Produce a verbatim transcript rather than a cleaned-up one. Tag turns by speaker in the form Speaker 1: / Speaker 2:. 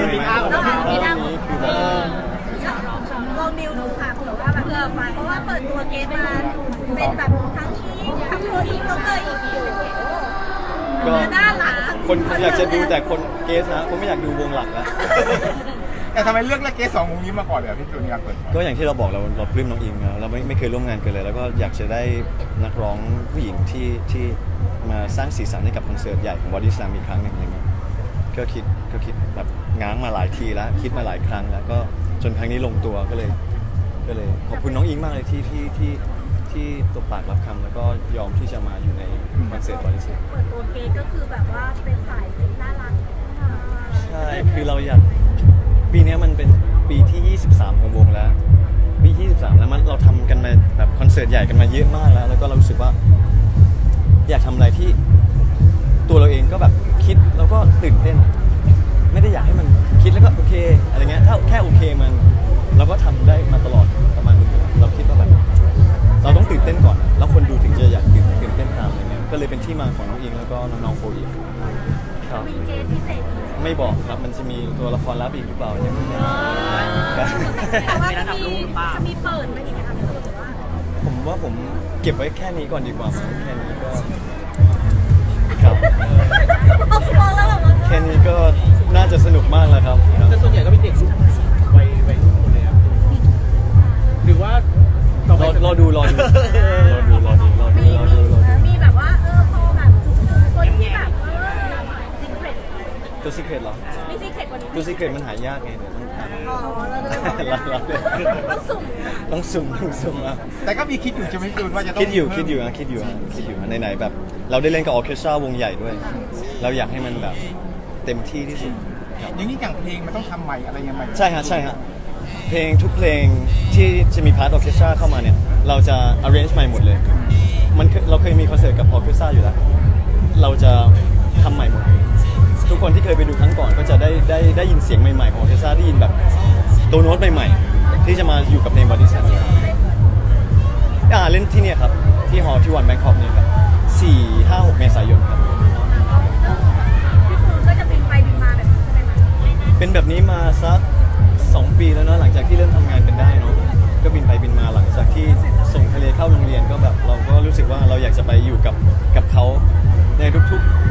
Speaker 1: มีท่าของเรามีท่านี้คือแบบ
Speaker 2: ลองดิวดูค่ะเผื่อว่าแบบเออไปเพราะว่าเปิดตัวเกสมาเป็นแบบทั้งที่ทั้งโคอีกแล้วก็อีกอยู่
Speaker 1: ก็
Speaker 2: น่ารัก
Speaker 1: คนอยากจะดูแต่คนเกสนะคนไม่อยากดูวงหลักแล้ว
Speaker 3: แต่ทำไมเลือกเกสสองวงนี้มาก่อนเลยพี่จูนอยากเปิด
Speaker 1: ก็อย่างที่เราบอกเราเราปลื้มน้องอิงนะเราไม่ไม่เคยร่วมงานกันเลย แล้วก็อยากจะได้นักร้องผู้หญิงที่ที่มาสร้างสีสันให้กับคอนเสิร์ตใหญ่ของ Body Slam อีกครั้งหนึ่งอะไรเงี้ยก็คิดก็คิดแบบง้างมาหลายทีแล้วคิดมาหลายครั้งแล้วก็จนครั้งนี้ลงตัวก็เลยก็เลยขอบคุณน้องอิงมากเลยที่ที่ที่ที่ตบปากรับคำแล้วก็ยอมที่จะมาอยู่ในคอนเสิร์ต Body Slam
Speaker 2: เปิดตัวเกสก็คือแบบว่าเป็นสายน่ารัก
Speaker 1: ใช่คือเราอยากปีนี้มันเป็นปีที่ ยี่สิบสาม ของวงแล้วปีที่ยี่สิบสามแล้วมันเราทำกันมาแบบคอนเสิร์ตใหญ่กันมาเยอะมากแล้วแล้วก็เรารู้สึกว่าอยากทำอะไรที่ตัวเราเองก็แบบคิดแล้วก็ตื่นเต้นไม่ได้อยากให้มันคิดแล้วก็โอเคอะไรเงี้ยถ้าแค่โอเคมันเราก็ทำได้มาตลอดประมาณนึงเราคิดว่าแบบเราต้องตื่นเต้นก่อนแล้วคนดูถึงจะอยากตื่นตื่นเต้นตามอะไรเงี้ยก็เลยเป็นที่มาของน้องอิงแล้วก็น้องๆโฟอีฟครับ
Speaker 2: มีเกสพิเศษ
Speaker 1: ไม่บอกครับมันจะมีตัวละครลับอีกหรือเปล่าเนี่ย
Speaker 2: แต่ว่าจะมีจะมีเปิดไหมอีกไหมคะหรือว่า
Speaker 1: ผมว่าผมเก็บไว้แค่นี้ก่อนดีกว่ามั้งแค่นี้ก็ครับ
Speaker 2: มองแล้วแบบว่า
Speaker 1: แค่นี้ก็น่าจะสนุกมากแล้วครับครับ
Speaker 4: แต่ส่วนใหญ่ก็เป็นเด็กรุ่นวัยวัยรุ่นหมดเลยครับหรือว่าต่อไป
Speaker 1: รอรอดูรอดูรอดูรอดูรอดู
Speaker 2: มี
Speaker 1: รอ
Speaker 2: มี
Speaker 1: ดูรอดู
Speaker 2: มีแบบว่าเออพอแบบคนที่แบบเออซีเครต
Speaker 1: ตัวซีเครตเหรอ
Speaker 2: มีซีเครตกว่านี้
Speaker 1: ตัวซีเครตมันหายากไงเดี๋ยวต้องหา
Speaker 2: อ๋อแล้ว
Speaker 1: รอรอ
Speaker 2: ต้องสุ่ม
Speaker 1: ต้องสุ่มต้องสุ่มอ่ะ
Speaker 3: แต่ก็มีคิดอยู่ใช่ไหมจูนว่าจะต้อง
Speaker 1: คิดอยู่คิดอยู่นะคิดอยู่นะคิดอยู่นะไหนๆแบบ เราได้เล่นกับออร์เคสตราวงใหญ่ด้วย เราอยากให้มันแบบเต็มที่ที่สุดครับ
Speaker 3: อย่างนี้อย่างเพลงมันต้องทำใหม่อะไรยังไง
Speaker 1: ใช่ฮะใช่ฮะเพลงทุกเพลงที่จะมีพาร์ทออร์เคสตราเข้ามาเนี่ยเราจะ arrange ใหม่หมดเลยมันเคยเราเคยมีคอนเสิร์ตกับออร์เคสตราอยู่แล้วเราจะทำใหม่หมดทุกคนที่เคยไปดูครั้งก่อนก็จะได้ได้ได้ยินเสียงใหม่ๆของออร์เคสตราได้ยินแบบตัวโน้ตใหม่ๆที่จะมาอยู่กับเพลง Body Slam อ่าเล่นที่เนี่ยครับที่ฮอลล์ที่วันแบงคอกเนี่ยครับสี่ห้าหกเมษายนครับ
Speaker 2: พี่ตูนก็จะบินไปบินมาแบบนี้ใช่ไหมคะ
Speaker 1: เป็นแบบนี้มาสักสองปีแล้วเนาะหลังจากที่เริ่มทำงานกันได้เนาะก็บินไปบินมาหลังจากที่ส่งทะเลเข้าโรงเรียนก็แบบเราก็รู้สึกว่าเราอยากจะไปอยู่กับกับเขาในทุก